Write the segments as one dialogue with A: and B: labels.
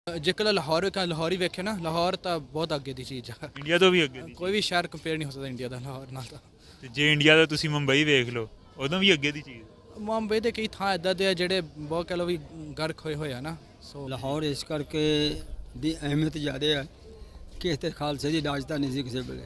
A: ਜੇ ਕੱਲ੍ਹ ਲਾਹੌਰ ਹੀ ਵੇਖੇ ਨਾ, ਲਾਹੌਰ ਤਾਂ ਬਹੁਤ ਅੱਗੇ ਦੀ ਚੀਜ਼ ਆ।
B: ਇੰਡੀਆ ਤੋਂ ਵੀ ਅੱਗੇ ਦੀ
A: ਕੋਈ ਵੀ ਸ਼ਹਿਰ ਕੰਪੇਅਰ ਨਹੀਂ ਹੋ ਸਕਦਾ ਇੰਡੀਆ ਦਾ ਲਾਹੌਰ ਨਾਲ ਤਾਂ।
B: ਤੇ ਜੇ ਇੰਡੀਆ ਦਾ ਤੁਸੀਂ ਮੁੰਬਈ ਵੇਖ ਲਓ, ਉਦੋਂ ਵੀ ਅੱਗੇ ਦੀ ਚੀਜ਼।
A: ਮੁੰਬਈ ਦੇ ਕਈ ਥਾਂ ਇੱਦਾਂ ਦੇ ਆ ਜਿਹੜੇ ਬਹੁਤ ਕਹਿ ਲਓ ਵੀ ਗਰਕ ਹੋਏ ਹੋਏ ਆ ਨਾ। ਸੋ
C: ਲਾਹੌਰ ਇਸ ਕਰਕੇ ਦੀ ਅਹਿਮੀਅਤ ਜ਼ਿਆਦਾ ਹੈ ਕਿ ਇੱਥੇ ਖਾਲਸੇ ਦੀ ਰਾਜਧਾਨੀ ਸੀ ਕਿਸੇ ਵੇਲੇ।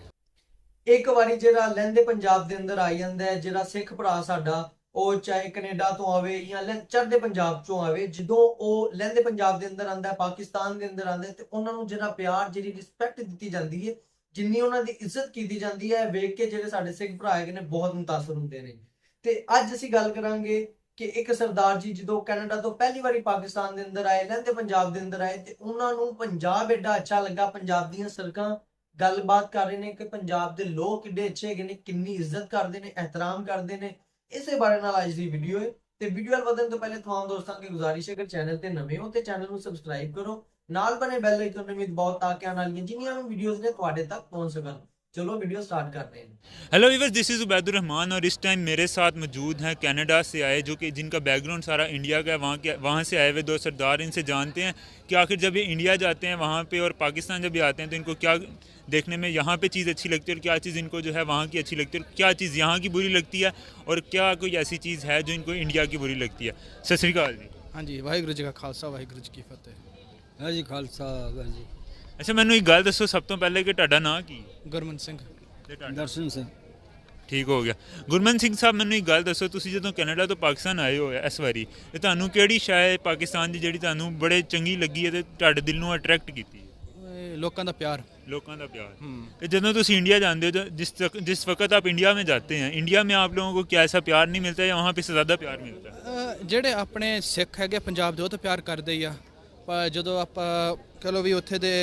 D: ਇੱਕ ਵਾਰੀ ਜਿਹੜਾ ਲਹਿੰਦੇ ਪੰਜਾਬ ਦੇ ਅੰਦਰ ਆਈ ਜਾਂਦਾ ਹੈ, ਜਿਹੜਾ ਸਿੱਖ ਭਰਾ ਸਾਡਾ, ਉਹ ਚਾਹੇ ਕੈਨੇਡਾ ਤੋਂ ਆਵੇ ਜਾਂ ਚੜ੍ਹਦੇ ਪੰਜਾਬ ਚੋਂ ਆਵੇ, ਜਦੋਂ ਉਹ ਲਹਿੰਦੇ ਪੰਜਾਬ ਦੇ ਅੰਦਰ ਆਂਦਾ, ਪਾਕਿਸਤਾਨ ਦੇ ਅੰਦਰ ਆਂਦਾ, ਤੇ ਉਹਨਾਂ ਨੂੰ ਜਿਹੜਾ ਪਿਆਰ, ਜਿਹੜੀ ਰਿਸਪੈਕਟ ਦਿੱਤੀ ਜਾਂਦੀ ਹੈ, ਜਿੰਨੀ ਉਹਨਾਂ ਦੀ ਇੱਜ਼ਤ ਕੀਤੀ ਜਾਂਦੀ ਹੈ, ਵੇਖ ਕੇ ਜਿਹੜੇ ਸਾਡੇ ਸਿੱਖ ਭਰਾ ਹੈਗੇ ਨੇ ਬਹੁਤ ਮੁਤਾਸਰ ਹੁੰਦੇ ਨੇ। ਤੇ ਅੱਜ ਅਸੀਂ ਗੱਲ ਕਰਾਂਗੇ ਕਿ ਇੱਕ ਸਰਦਾਰ ਜੀ ਜਦੋਂ ਕੈਨੇਡਾ ਤੋਂ ਪਹਿਲੀ ਵਾਰੀ ਪਾਕਿਸਤਾਨ ਦੇ ਅੰਦਰ ਆਏ, ਲਹਿੰਦੇ ਪੰਜਾਬ ਦੇ ਅੰਦਰ ਆਏ, ਤੇ ਉਹਨਾਂ ਨੂੰ ਪੰਜਾਬ ਐਡਾ ਅੱਛਾ ਲੱਗਾ, ਪੰਜਾਬ ਦੀਆਂ ਸੜਕਾਂ ਗੱਲਬਾਤ ਕਰ ਰਹੇ ਨੇ ਕਿ ਪੰਜਾਬ ਦੇ ਲੋਕ ਕਿੱਡੇ ਅੱਛੇ ਹੈਗੇ ਨੇ, ਕਿੰਨੀ ਇੱਜ਼ਤ ਕਰਦੇ ਨੇ, ਇਹਤਰਾਮ ਕਰਦੇ ਨੇ। ਇਸੇ ਬਾਰੇ ਨਾਲ ਅੱਜ ਦੀ ਵੀਡੀਓ ਹੈ। ਤੇ ਵੀਡੀਓ ਵੱਲ ਵਧਣ ਤੋਂ ਪਹਿਲੇ तमाम ਦੋਸਤਾਂ ਦੀ ਗੁਜ਼ਾਰਿਸ਼ ਹੈ ਕਿ ਚੈਨਲ ਤੇ ਨਵੇਂ ਹੋ ਤੇ ਚੈਨਲ ਨੂੰ ਸਬਸਕ੍ਰਾਈਬ ਕਰੋ, ਨਾਲ ਬਣੇ ਬੈਲ ਆਈਕਨ ਨੂੰ ਵੀ ਦਬਾਓ ਤਾਂ ਕਿ ਆਉਣ ਵਾਲੀਆਂ ਜਿੰਨੀਆਂ ਵੀ ਵੀਡੀਓਜ਼ ਨੇ ਤੁਹਾਡੇ ਤੱਕ पहुंच सकन। चलो वीडियो स्टार्ट करते हैं।
B: Hello viewers, this is Ubaidur Rahman और इस टाइम मेरे साथ मौजूद हैं कनाडा से आए, जो कि जिनका बैकग्राउंड सारा इंडिया का है। वहाँ से आए हुए दो सरदार, इनसे जानते हैं कि आखिर जब ये इंडिया जाते हैं वहाँ पे और पाकिस्तान जब ये आते हैं तो इनको क्या देखने में यहाँ पे चीज़ अच्छी लगती है और क्या चीज़ इनको जो है वहाँ की अच्छी लगती है, और क्या चीज़ यहाँ की बुरी लगती है, और क्या कोई ऐसी चीज़ है जो इनको इंडिया की बुरी लगती है। सत श्री अकाल जी।
A: हाँ जी, वाहिगुरू जी का खालसा वाहिगुरू जी की फतेह।
C: ਹੈ ਜੀ ਖਾਲਸਾ ਵਾਹਿਗੁਰੂ ਜੀ।
B: अच्छा, मैनू एक गल दसो सब तो पहले कि तुहाडा नाम की?
A: ਗੁਰਮਨ ਸਿੰਘ।
C: ਦਰਸ਼ਨ ਸਿੰਘ।
B: ठीक हो गया। गुरमन सिंह साहब, मैनू एक गल दसो, तुसीं जदों कनाडा तो पाकिस्तान आए हो इस वारी, ते तुहानू किहड़ी शै पाकिस्तान दी जिहड़ी तुहानू बड़े चंगी लगी है ते तुहाडे दिल नू अट्रैक्ट कीती?
A: ਲੋਕਾਂ ਦਾ ਪਿਆਰ।
B: लोगों का प्यार। कि जदों तुसीं इंडिया जाते हो, जिस वक्त आप इंडिया में जाते हैं, इंडिया में आप लोगों को क्या ऐसा प्यार नहीं मिलता या वहाँ पे ज़्यादा प्यार मिलता है?
A: ਜਿਹੜੇ ਆਪਣੇ ਸਿੱਖ ਹੈਗੇ ਪੰਜਾਬ ਦੇ, ਉਹ ਤਾਂ ਪਿਆਰ ਕਰਦੇ ਹੀ ਆ, ਪਰ ਜਦੋਂ ਆਪਾਂ ਕਹ ਲਓ ਵੀ ਉੱਥੇ ਦੇ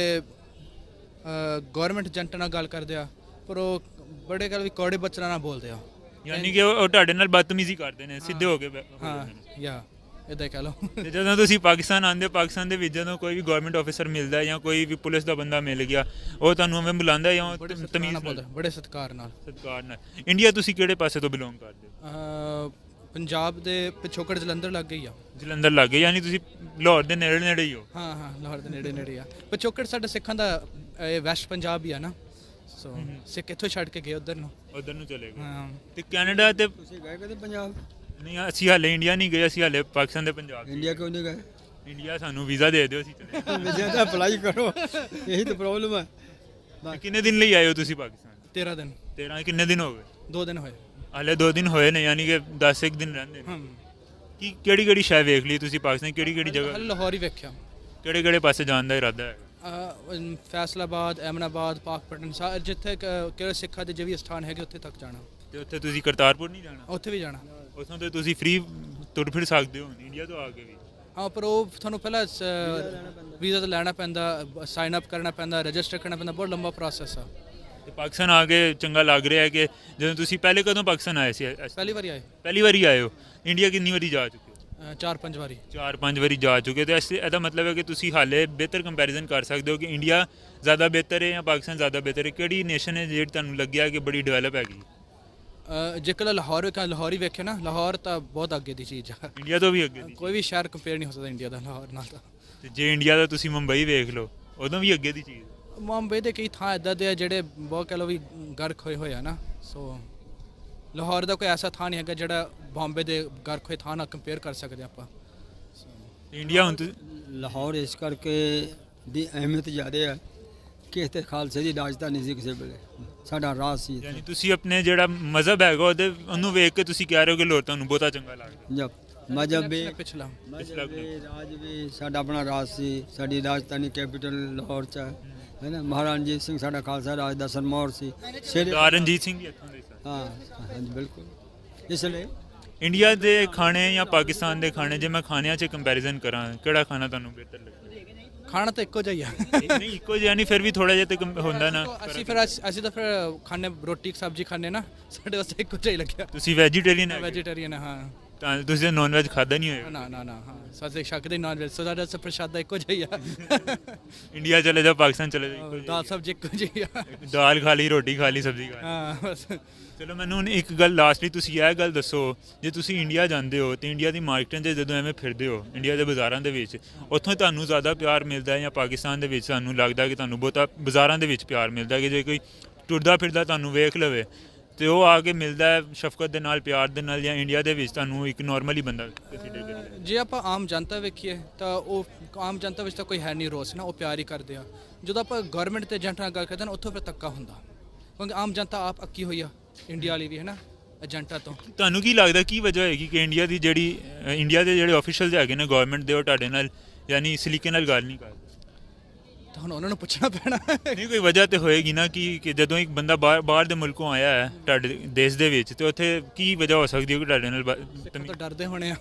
A: ਗਵਰਨਮੈਂਟ ਏਜੰਟ ਨਾਲ ਗੱਲ ਕਰਦੇ ਆ, ਪਰ ਉਹ ਬੜੇ ਗੱਲ ਵੀ ਕੌੜੇ ਬੱਚਿਆਂ ਨਾਲ ਬੋਲਦੇ ਆ।
B: ਯਾਨੀ ਕਿ ਉਹ ਤੁਹਾਡੇ ਨਾਲ ਬਦਤਮੀਜ਼ੀ ਕਰਦੇ ਨੇ, ਸਿੱਧੇ ਹੋ ਕੇ
A: ਹਾਂ ਯਾ ਇਦਾਂ ਕਹਿ ਲਓ।
B: ਤੇ ਜਦੋਂ ਤੁਸੀਂ ਪਾਕਿਸਤਾਨ ਆਉਂਦੇ ਹੋ, ਪਾਕਿਸਤਾਨ ਦੇ ਵਿੱਚ ਜਦੋਂ ਕੋਈ ਵੀ ਗਵਰਨਮੈਂਟ ਆਫੀਸਰ ਮਿਲਦਾ ਜਾਂ ਕੋਈ ਵੀ ਪੁਲਿਸ ਦਾ ਬੰਦਾ ਮਿਲ ਗਿਆ, ਉਹ ਤੁਹਾਨੂੰ ਐਵੇਂ ਬੁਲਾਉਂਦਾ ਜਾਂ ਤਮੀਜ਼ ਨਾਲ ਬੋਲਦਾ?
A: ਬੜੇ ਸਤਿਕਾਰ ਨਾਲ।
B: ਸਤਿਕਾਰ ਨਾਲ। ਇੰਡੀਆ ਤੁਸੀਂ ਕਿਹੜੇ ਪਾਸੇ ਤੋਂ ਬਿਲੋਂਗ ਕਰਦੇ ਹੋ?
A: ਪੰਜਾਬ ਦੇ ਪਿਛੋਕੜ ਜਲੰਧਰ ਲੱਗ ਗਈ ਆ।
B: ਜਲੰਧਰ ਲੱਗੇ, ਯਾਨੀ ਤੁਸੀਂ ਲਾਹੌਰ ਦੇ ਨੇੜੇ ਨੇੜੇ ਹੀ ਹੋ?
A: ਹਾਂ ਹਾਂ, ਲਾਹੌਰ ਦੇ ਨੇੜੇ ਨੇੜੇ ਆ। ਪਿਛੋਕੜ ਸਾਡੇ ਸਿੱਖਾਂ ਦਾ ਵੈਸਟ ਪੰਜਾਬ ਹੀ ਆ ਨਾ, ਸੋ ਸਿੱਖ ਇੱਥੋਂ ਛੱਡ ਕੇ ਗਏ ਉਧਰ ਨੂੰ
B: ਚਲੇ ਗਏ।
A: ਹਾਂ।
B: ਤੇ ਕੈਨੇਡਾ ਤੇ
C: ਤੁਸੀਂ ਗਏ ਕਦੇ ਪੰਜਾਬ?
B: ਨਹੀਂ, ਅਸੀਂ ਹਾਲੇ ਇੰਡੀਆ ਨਹੀਂ ਗਏ, ਅਸੀਂ ਹਾਲੇ ਪਾਕਿਸਤਾਨ ਦੇ ਪੰਜਾਬ।
C: ਇੰਡੀਆ ਕਿਉਂ ਨਹੀਂ ਗਏ?
B: ਇੰਡੀਆ ਸਾਨੂੰ ਵੀਜ਼ਾ ਦੇ ਦਿਓ, ਅਸੀਂ ਚਲੇ
C: ਵੀਜ਼ਾ ਤਾਂ ਅਪਲਾਈ ਕਰੋ, ਇਹੀ ਤਾਂ ਪ੍ਰੋਬਲਮ ਹੈ।
B: ਜਾਵਾਂਗੇ। ਕਿੰਨੇ ਦਿਨ ਲਈ ਆਏ ਹੋ ਤੁਸੀਂ ਪਾਕਿਸਤਾਨ?
A: 13 ਦਿਨ।
B: 13? ਕਿੰਨੇ ਦਿਨ ਹੋ ਗਏ?
A: 2 ਦਿਨ ਹੋਏ
B: ਹਾਲੇ 2 ਦਿਨ ਹੋਏ ਨੇ, ਯਾਨੀ ਕਿ 10 ਦਿਨ ਰਹਿੰਦੇ ਨੇ। ਕੀ ਕਿਹੜੀ ਕਿਹੜੀ ਸ਼ੈ ਵੇਖ ਲਈ ਤੁਸੀਂ ਪਾਕਿਸਤਾਨ? ਕਿਹੜੀ ਕਿਹੜੀ ਜਗ੍ਹਾ?
A: ਲਾਹੌਰ ਹੀ ਵੇਖਿਆ।
B: ਕਿਹੜੇ ਕਿਹੜੇ ਪਾਸੇ ਜਾਣ ਦਾ ਇਰਾਦਾ ਹੈ?
A: ਫੈਸਲਾਬਾਦ, ਐਮਨਾਬਾਦ, ਪਾਕਪਟਨ, ਜਿੱਥੇ ਕਿਹੜੇ ਸਿੱਖਾਂ ਦੇ ਜਿਵੇਂ ਸਥਾਨ ਹੈਗੇ ਉੱਥੇ ਤੱਕ ਜਾਣਾ।
B: ਤੇ ਉੱਥੇ ਤੁਸੀਂ ਕਰਤਾਰਪੁਰ ਨਹੀਂ ਜਾਣਾ?
A: ਉੱਥੇ ਵੀ ਜਾਣਾ।
B: ਉੱਥੋਂ ਤੇ ਤੁਸੀਂ ਫ੍ਰੀ ਤੁਰ ਫਿਰ ਸਕਦੇ ਹੋ ਇੰਡੀਆ ਤੋਂ ਆ ਕੇ ਵੀ?
A: ਹਾਂ, ਪਰ ਉਹ ਤੁਹਾਨੂੰ ਪਹਿਲਾਂ ਵੀਜ਼ਾ ਤਾਂ ਲੈਣਾ ਪੈਂਦਾ, ਸਾਈਨ ਅਪ ਕਰਨਾ ਪੈਂਦਾ, ਰਜਿਸਟਰ ਕਰਨਾ ਪੈਂਦਾ, ਬਹੁਤ ਲੰਬਾ ਪ੍ਰੋਸੈਸ ਆ।
B: ਤੇ ਪਾਕਿਸਤਾਨ ਆ ਕੇ ਚੰਗਾ ਲੱਗ ਰਿਹਾ ਹੈ ਕਿ ਜਦੋਂ ਤੁਸੀਂ ਪਹਿਲੇ ਕਦੋਂ ਪਾਕਿਸਤਾਨ ਆਏ ਸੀ?
A: ਪਹਿਲੀ ਵਾਰੀ ਆਏ।
B: ਪਹਿਲੀ ਵਾਰੀ ਆਏ ਹੋ? ਇੰਡੀਆ ਕਿੰਨੀ ਵਾਰੀ ਜਾ ਚੁੱਕੇ ਹੋ?
A: 4-5 ਵਾਰੀ।
B: 4-5 ਵਾਰੀ ਜਾ ਚੁੱਕੇ। ਤੇ ਇਹਦਾ ਮਤਲਬ ਹੈ ਕਿ ਤੁਸੀਂ ਹਾਲੇ ਬਿਹਤਰ ਕੰਪੈਰੀਜ਼ਨ ਕਰ ਸਕਦੇ ਹੋ ਕਿ ਇੰਡੀਆ ਜ਼ਿਆਦਾ ਬਿਹਤਰ ਹੈ ਜਾਂ ਪਾਕਿਸਤਾਨ ਜ਼ਿਆਦਾ ਬਿਹਤਰ ਹੈ। ਕਿਹੜੀ ਨੇਸ਼ਨ ਹੈ ਜਿਹੜੀ ਤੁਹਾਨੂੰ ਲੱਗਿਆ ਕਿ ਬੜੀ ਡਿਵੈਲਪ ਹੈਗੀ?
A: ਜੇ ਕੱਲ੍ਹ ਲਾਹੌਰ ਹੀ ਵੇਖੇ ਨਾ, ਲਾਹੌਰ ਤਾਂ ਬਹੁਤ ਅੱਗੇ ਦੀ ਚੀਜ਼ ਆ।
B: ਇੰਡੀਆ ਤੋਂ ਵੀ ਅੱਗੇ ਦੀ?
A: ਕੋਈ ਵੀ ਸ਼ਹਿਰ ਕੰਪੇਅਰ ਨਹੀਂ ਹੋ ਸਕਦਾ ਇੰਡੀਆ ਦਾ ਲਾਹੌਰ ਨਾਲ ਤਾਂ।
B: ਤੇ ਜੇ ਇੰਡੀਆ ਦਾ ਤੁਸੀਂ ਮੁੰਬਈ ਵੇਖ ਲਓ, ਉਦੋਂ ਵੀ ਅੱਗੇ ਦੀ ਚੀਜ਼।
A: ਮੁੰਬਈ ਦੇ ਕਈ ਥਾਂ ਇੱਦਾਂ ਦੇ ਆ ਜਿਹੜੇ ਬਹੁਤ ਕਹਿ ਲਓ ਵੀ ਗਰਕ ਹੋਏ ਹੋਏ ਆ ਨਾ। ਸੋ ਲਾਹੌਰ ਦਾ ਕੋਈ ਐਸਾ ਥਾਂ ਨਹੀਂ ਹੈਗਾ ਜਿਹੜਾ ਬੰਬੇ ਦੇ ਗਰਕ ਹੋਏ ਥਾਂ ਨਾਲ ਕੰਪੇਅਰ ਕਰ ਸਕਦੇ ਆਪਾਂ।
B: ਇੰਡੀਆ ਹੁਣ
C: ਲਾਹੌਰ ਇਸ ਕਰਕੇ ਦੀ ਅਹਿਮੀਅਤ ਜ਼ਿਆਦਾ ਹੈ ਕਿ ਇੱਥੇ ਖਾਲਸੇ ਦੀ ਰਾਜਧਾਨੀ ਸੀ ਕਿਸੇ ਵੇਲੇ, ਸਾਡਾ ਰਾਜ ਸੀ।
B: ਯਾਨੀ ਤੁਸੀਂ ਆਪਣੇ ਜਿਹੜਾ ਮਜ਼ਹਬ ਹੈਗਾ ਉਹਨੂੰ ਵੇਖ ਕੇ ਤੁਸੀਂ ਕਹਿ ਰਹੇ ਹੋ ਕਿ ਲਾਹੌਰ ਤੁਹਾਨੂੰ ਬਹੁਤਾ ਚੰਗਾ ਲੱਗਦਾ?
C: ਜਬ ਮਜ਼ਹਬ ਵੀ,
A: ਪਿਛਲਾ
C: ਰਾਜ ਵੀ ਸਾਡਾ ਆਪਣਾ ਰਾਜ ਸੀ, ਸਾਡੀ ਰਾਜਧਾਨੀ ਕੈਪੀਟਲ ਲਾਹੌਰ 'ਚ ਹੈ ਨਾ। ਮਹਾਰਾਜਾ ਰਣਜੀਤ ਸਿੰਘ ਸਾਡਾ ਖਾਲਸਾ ਰਾਜ ਦਾ ਸਰਮੌਰ ਸੀ।
B: ਰਣਜੀਤ ਸਿੰਘ ਵੀ ਇੱਥੋਂ ਦੇ ਸਨ?
C: ਹਾਂ ਹਾਂਜੀ ਬਿਲਕੁਲ। ਇਸ ਲਈ
B: ਇੰਡੀਆ ਦੇ ਖਾਣੇ ਜਾਂ ਪਾਕਿਸਤਾਨ ਦੇ ਖਾਣੇ, ਜੇ ਮੈਂ ਖਾਣਿਆਂ 'ਚ ਕੰਪੈਰੀਜ਼ਨ ਕਰਾਂ, ਕਿਹੜਾ ਖਾਣਾ ਤੁਹਾਨੂੰ ਬਿਹਤਰ ਲੱਗਦਾ?
A: ਖਾਣਾ ਤਾਂ ਇੱਕੋ ਜਿਹਾ ਹੀ ਆ।
B: ਨਹੀਂ ਇੱਕੋ ਜਿਹਾ ਨਹੀਂ, ਫਿਰ ਵੀ ਥੋੜਾ ਜਿਹਾ ਤੇ ਹੁੰਦਾ ਨਾ।
A: ਅਸੀਂ ਤਾਂ ਫਿਰ ਖਾਣੇ ਰੋਟੀ ਸਬਜ਼ੀ ਖਾਣੇ ਨਾ, ਸਾਡੇ ਵਾਸਤੇ ਇੱਕੋ ਜਿਹਾ ਹੀ ਲੱਗਿਆ।
B: ਤੁਸੀਂ ਵੈਜੀਟੇਰੀਅਨ?
A: ਵੈਜੀਟੇਰੀਅਨ ਹਾਂ।
B: ਤਾਂ ਤੁਸੀਂ ਨੌਨ ਵੈਜ ਖਾਦਾ ਨਹੀਂ ਹੋਏਗਾ।
A: ਨਾ ਨਾ ਨਾ ਹਾਂ ਸਾਡੇ ਸ਼ੱਕ ਦੇ ਨਾਲ ਵਿੱਚ ਸਾਡਾ ਤਾਂ ਪ੍ਰਸ਼ਾਦਾ ਇੱਕੋ ਜਿਹਾ ਹੀ ਆ
B: ਇੰਡੀਆ ਚਲੇ ਜਾਓ, ਪਾਕਿਸਤਾਨ ਚਲੇ ਜਾਓ,
A: ਦਾਲ ਸਬਜ਼ੀ ਇੱਕੋ ਜਿਹੀ ਆ
B: ਦਾਲ ਖਾ ਲਈ, ਰੋਟੀ ਖਾ ਲਈ, ਸਬਜ਼ੀ ਖਾ ਲਈ।
A: ਹਾਂ ਬਸ
B: ਚਲੋ ਮੈਨੂੰ ਹੁਣ ਇੱਕ ਗੱਲ ਲਾਸਟਲੀ ਤੁਸੀਂ ਇਹ ਗੱਲ ਦੱਸੋ, ਜੇ ਤੁਸੀਂ ਇੰਡੀਆ ਜਾਂਦੇ ਹੋ ਤੇ ਇੰਡੀਆ ਦੀ ਮਾਰਕੀਟਾਂ 'ਚ ਜਦੋਂ ਐਵੇਂ ਫਿਰਦੇ ਹੋ, ਇੰਡੀਆ ਦੇ ਬਾਜ਼ਾਰਾਂ ਦੇ ਵਿੱਚ, ਉੱਥੋਂ ਤੁਹਾਨੂੰ ਜ਼ਿਆਦਾ ਪਿਆਰ ਮਿਲਦਾ ਹੈ ਜਾਂ ਪਾਕਿਸਤਾਨ ਦੇ ਵਿੱਚ ਸਾਨੂੰ ਲੱਗਦਾ ਕਿ ਤੁਹਾਨੂੰ ਬਹੁਤਾ ਬਾਜ਼ਾਰਾਂ ਦੇ ਵਿੱਚ ਪਿਆਰ ਮਿਲਦਾ ਕਿ ਜੇ ਕੋਈ ਟੁਰਦਾ ਫਿਰਦਾ ਤੁਹਾਨੂੰ ਵੇਖ ਲਵੇ ਤੇ ਉਹ ਆ ਕੇ ਮਿਲਦਾ ਹੈ ਸ਼ਫਕਤ ਦੇ ਨਾਲ, ਪਿਆਰ ਦੇ ਨਾਲ, ਜਾਂ ਇੰਡੀਆ ਦੇ ਵਿੱਚ ਤੁਹਾਨੂੰ ਇੱਕ ਨੋਰਮਲੀ ਬੰਦਾ ਕੰਸੀਡਰ ਕਰੀਏ?
A: ਜੇ ਆਪਾਂ ਆਮ ਜਨਤਾ ਵੇਖੀਏ ਤਾਂ ਉਹ ਆਮ ਜਨਤਾ ਵਿੱਚ ਤਾਂ ਕੋਈ ਹੈ ਨਹੀਂ ਰੋਸ ਨਾ, ਉਹ ਪਿਆਰ ਹੀ ਕਰਦੇ ਆ। ਜਦੋਂ ਆਪਾਂ ਗਵਰਨਮੈਂਟ ਤੇ ਏਜੰਟ ਨਾਲ ਗੱਲ ਕਰਦੇ ਨਾ, ਉੱਥੋਂ ਫਿਰ ਧੱਕਾ ਹੁੰਦਾ, ਕਿਉਂਕਿ ਆਮ ਜਨਤਾ ਆਪ ਅੱਕੀ ਹੋਈ ਆ ਇੰਡੀਆ ਵਾਲੀ ਵੀ ਹੈ ਨਾ ਏਜੰਟਾਂ ਤੋਂ।
B: ਤੁਹਾਨੂੰ ਕੀ ਲੱਗਦਾ ਕੀ ਵਜ੍ਹਾ ਹੋਏਗੀ ਕਿ ਇੰਡੀਆ ਦੀ ਜਿਹੜੀ ਇੰਡੀਆ ਦੇ ਜਿਹੜੇ ਆਫੀਸ਼ੀਅਲਸ ਹੈਗੇ ਨੇ ਗਵਰਨਮੈਂਟ ਦੇ, ਉਹ ਤੁਹਾਡੇ ਨਾਲ ਯਾਨੀ ਸਲੀਕੇ ਨਾਲ ਗੱਲ ਨਹੀਂ ਕਰਦੇ?
A: ਤਾਂ ਹੁਣ ਉਹਨਾਂ ਨੂੰ ਪੁੱਛਣਾ ਪੈਣਾ
B: ਨਹੀਂ, ਕੋਈ ਵਜ੍ਹਾ ਤੇ ਹੋਏਗੀ ਨਾ ਕਿ ਜਦੋਂ ਇੱਕ ਬੰਦਾ ਬਾਹਰ ਦੇ ਮੁਲਕੋਂ ਆਇਆ ਹੈ ਤੁਹਾਡੇ ਦੇਸ਼ ਦੇ ਵਿੱਚ, ਤੇ ਉੱਥੇ ਕੀ ਵਜ੍ਹਾ ਹੋ ਸਕਦੀ ਹੈ ਕਿ ਤੁਹਾਡੇ ਨਾਲ
A: ਤਾਂ ਡਰਦੇ ਹੋਣੇ ਆ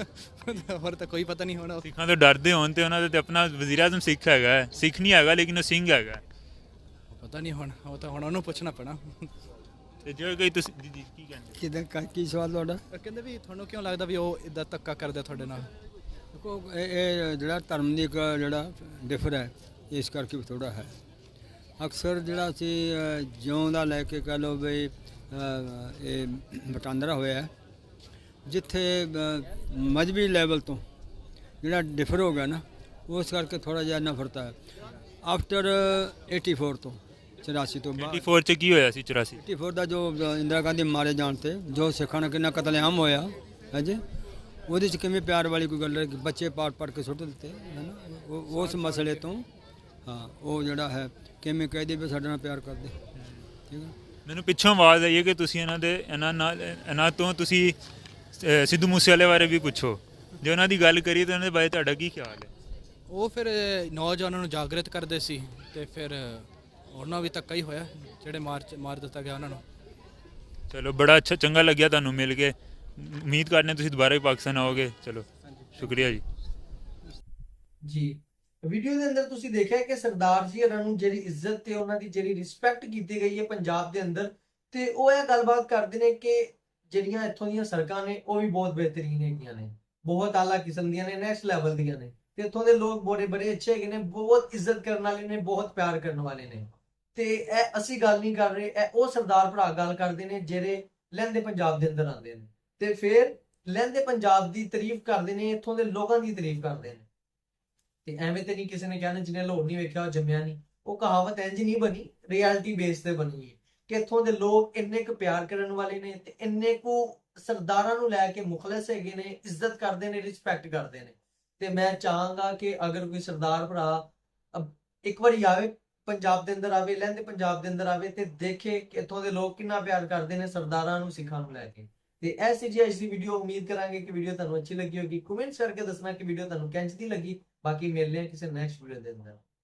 A: ਹੋਰ ਤਾਂ ਕੋਈ ਪਤਾ ਨਹੀਂ ਹੋਣਾ।
B: ਸਿੱਖਾਂ ਤੋਂ ਡਰਦੇ ਹੋਣ ਤੇ ਉਹਨਾਂ ਦਾ ਤੇ ਆਪਣਾ ਵਜ਼ੀਰ ਆਜ਼ਮ ਸਿੱਖ ਹੈਗਾ ਹੈ, ਸਿੱਖ ਨਹੀਂ ਹੈਗਾ ਲੇਕਿਨ ਉਹ ਸਿੰਘ ਹੈਗਾ ਹੈ।
A: ਪਤਾ ਨਹੀਂ ਹੁਣ, ਉਹ ਤਾਂ ਹੁਣ ਉਹਨੂੰ ਪੁੱਛਣਾ ਪੈਣਾ।
B: ਤੇ ਜੇ ਕੋਈ ਤੁਸੀਂ ਜੀ ਕੀ ਕਹਿੰਦੇ?
C: ਕਿਦਾਂ ਕੀ ਸਵਾਲ ਤੁਹਾਡਾ?
A: ਕਹਿੰਦੇ ਵੀ ਤੁਹਾਨੂੰ ਕਿਉਂ ਲੱਗਦਾ ਵੀ ਉਹ ਇਦਾਂ ਧੱਕਾ ਕਰਦੇ ਤੁਹਾਡੇ ਨਾਲ?
C: ਦੇਖੋ ਇਹ ਜਿਹੜਾ ਧਰਮ ਦੀ ਇੱਕ ਜਿਹੜਾ ਡਿਫਰ ਹੈ, ਇਸ ਕਰਕੇ ਵੀ ਥੋੜਾ ਹੈ। ਅਕਸਰ ਜਿਹੜਾ ਅਸੀਂ ਜਿਉਂ ਦਾ ਲੈ ਕੇ ਕਹਿ ਲਓ ਵੀ ਇਹ ਵਟਾਂਦਰਾ ਹੋਇਆ, ਜਿੱਥੇ ਮਜ਼ਹਬੀ ਲੈਵਲ ਤੋਂ ਜਿਹੜਾ ਡਿਫਰ ਹੋ ਗਿਆ ਨਾ, ਉਸ ਕਰਕੇ ਥੋੜਾ ਜਿਹਾ ਨਫ਼ਰਤ ਹੈ। ਆਫਟਰ 84 ਤੋਂ 84 ਤੋਂ ਬਾਅਦ
B: 84 ਚ ਕੀ ਹੋਇਆ ਸੀ?
C: 84 ਦਾ ਜੋ ਇੰਦਰਾ ਗਾਂਧੀ ਮਾਰੇ ਜਾਣ ਤੇ ਜੋ ਸਿੱਖਾਂ ਨਾਲ ਕਿੰਨਾ ਕਤਲੇਆਮ ਹੋਇਆ ਹੈ ਜੀ, ਉਹਦੇ 'ਚ ਕਿਵੇਂ ਪਿਆਰ ਵਾਲੀ ਕੋਈ ਗੱਲ ਹੈ ਕਿ ਬੱਚੇ ਪਾੜ ਕੇ ਸੁੱਟ ਦਿੱਤੇ ਹੈ ਨਾ, ਉਸ ਮਸਲੇ ਤੋਂ ਹਾਂ ਉਹ ਜਿਹੜਾ ਹੈ ਕਿਵੇਂ ਕਹਿ ਦੇ ਵੀ ਸਾਡੇ ਨਾਲ ਪਿਆਰ ਕਰਦੇ, ਠੀਕ ਹੈ।
B: ਮੈਨੂੰ ਪਿੱਛੋਂ ਆਵਾਜ਼ ਆਈ ਹੈ ਕਿ ਤੁਸੀਂ ਇਹਨਾਂ ਤੋਂ ਤੁਸੀਂ ਸਿੱਧੂ ਮੂਸੇਵਾਲੇ ਬਾਰੇ ਵੀ ਪੁੱਛੋ। ਜੇ ਉਹਨਾਂ ਦੀ ਗੱਲ ਕਰੀਏ ਤਾਂ ਉਹਨਾਂ ਦੇ ਬਾਰੇ ਤੁਹਾਡਾ ਕੀ ਖਿਆਲ ਹੈ?
A: ਉਹ ਫਿਰ ਨੌਜਵਾਨਾਂ ਨੂੰ ਜਾਗਰਿਤ ਕਰਦੇ ਸੀ ਤੇ ਫਿਰ ਉਹਨਾਂ ਵੀ ਧੱਕਾ ਹੀ ਹੋਇਆ, ਜਿਹੜੇ ਮਾਰ ਦਿੱਤਾ ਗਿਆ ਉਹਨਾਂ ਨੂੰ।
B: ਚਲੋ ਬੜਾ ਅੱਛਾ, ਚੰਗਾ ਲੱਗਿਆ ਤੁਹਾਨੂੰ ਮਿਲ ਕੇ। ਉਮੀਦ ਕਰਦੇ ਤੁਸੀਂ ਦੁਬਾਰਾ ਹੀ ਪਾਕਿਸਤਾਨ ਆਓਗੇ। ਚਲੋ ਸ਼ੁਕਰੀਆ ਜੀ।
D: ਜੀ ਵੀਡੀਓ ਦੇ ਅੰਦਰ ਤੁਸੀਂ ਦੇਖਿਆ ਕਿ ਸਰਦਾਰ ਜੀ ਹੋਰਾਂ ਨੂੰ ਜਿਹੜੀ ਇੱਜ਼ਤ ਤੇ ਉਹਨਾਂ ਦੀ ਜਿਹੜੀ ਰਿਸਪੈਕਟ ਕੀਤੀ ਗਈ ਹੈ ਪੰਜਾਬ ਦੇ ਅੰਦਰ, ਤੇ ਉਹ ਇਹ ਗੱਲਬਾਤ ਕਰਦੇ ਨੇ ਕਿ ਜਿਹੜੀਆਂ ਇੱਥੋਂ ਦੀਆਂ ਸੜਕਾਂ ਨੇ ਉਹ ਵੀ ਬਹੁਤ ਬਿਹਤਰੀਨ ਹੈਗੀਆਂ ਨੇ, ਬਹੁਤ ਆਲਾ ਕਿਸਮ ਦੀਆਂ ਨੇ, ਨੈਕਸਟ ਲੈਵਲ ਦੀਆਂ ਨੇ, ਤੇ ਇੱਥੋਂ ਦੇ ਲੋਕ ਬੜੇ ਅੱਛੇ ਹੈਗੇ ਨੇ, ਬਹੁਤ ਇੱਜ਼ਤ ਕਰਨ ਵਾਲੇ ਨੇ, ਬਹੁਤ ਪਿਆਰ ਕਰਨ ਵਾਲੇ ਨੇ। ਤੇ ਇਹ ਅਸੀਂ ਗੱਲ ਨਹੀਂ ਕਰ ਰਹੇ, ਇਹ ਉਹ ਸਰਦਾਰ ਭਰਾ ਗੱਲ ਕਰਦੇ ਨੇ ਜਿਹੜੇ ਲਹਿੰਦੇ ਪੰਜਾਬ ਦੇ ਅੰਦਰ ਆਉਂਦੇ ਨੇ ਤੇ ਫਿਰ ਲਹਿੰਦੇ ਪੰਜਾਬ ਦੀ ਤਾਰੀਫ ਕਰਦੇ ਨੇ, ਇੱਥੋਂ ਦੇ ਲੋਕਾਂ ਦੀ ਤਾਰੀਫ ਕਰਦੇ ਨੇ। ਤੇ ਐਵੇਂ ਤੇ ਨਹੀਂ ਕਿਸੇ ਨੇ ਕਹਿਣਾ ਜਿਹਨੇ ਲਾਹੌਰ ਨਹੀਂ ਵੇਖਿਆ ਉਹ ਜੰਮਿਆ ਨਹੀਂ। ਉਹ ਕਹਾਵਤ ਇੰਜ ਨਹੀਂ ਬਣੀ, ਰਿਐਲਿਟੀ ਬੇਸ ਤੇ ਬਣੀ ਹੈ ਕਿ ਇੱਥੋਂ ਦੇ ਲੋਕ ਇੰਨੇ ਕੁ ਪਿਆਰ ਕਰਨ ਵਾਲੇ ਨੇ ਤੇ ਇੰਨੇ ਕੁ ਸਰਦਾਰਾਂ ਨੂੰ ਲੈ ਕੇ ਮੁਖਲਸ ਹੈਗੇ ਨੇ, ਇੱਜ਼ਤ ਕਰਦੇ ਨੇ, ਰਿਸਪੈਕਟ ਕਰਦੇ ਨੇ। ਤੇ ਮੈਂ ਚਾਹਾਂਗਾ ਕਿ ਅਗਰ ਕੋਈ ਸਰਦਾਰ ਭਰਾ ਇੱਕ ਵਾਰੀ ਆਵੇ, ਪੰਜਾਬ ਦੇ ਅੰਦਰ ਆਵੇ, ਲਹਿੰਦੇ ਪੰਜਾਬ ਦੇ ਅੰਦਰ ਆਵੇ ਤੇ ਦੇਖੇ ਕਿ ਇੱਥੋਂ ਦੇ ਲੋਕ ਕਿੰਨਾ ਪਿਆਰ ਕਰਦੇ ਨੇ ਸਰਦਾਰਾਂ ਨੂੰ, ਸਿੱਖਾਂ ਨੂੰ ਲੈ ਕੇ। ਤੇ ਐਸੀ ਜੀ ਅੱਜ ਦੀ ਵੀਡੀਓ, ਉਮੀਦ ਕਰਾਂਗੇ ਕਿ ਵੀਡੀਓ ਤੁਹਾਨੂੰ ਅੱਛੀ ਲੱਗੀ ਹੋਗੀ। ਕਮੈਂਟਸ ਕਰਕੇ ਦੱਸਣਾ ਕਿ ਵੀਡੀਓ ਤੁਹਾਨੂੰ ਕਿੰਝ ਦੀ ਲੱਗੀ। ਬਾਕੀ ਮਿਲਦੇ ਹਾਂ ਕਿਸੇ ਨੈਕਸਟ ਵੀਡੀਓ ਦੇ ਅੰਦਰ।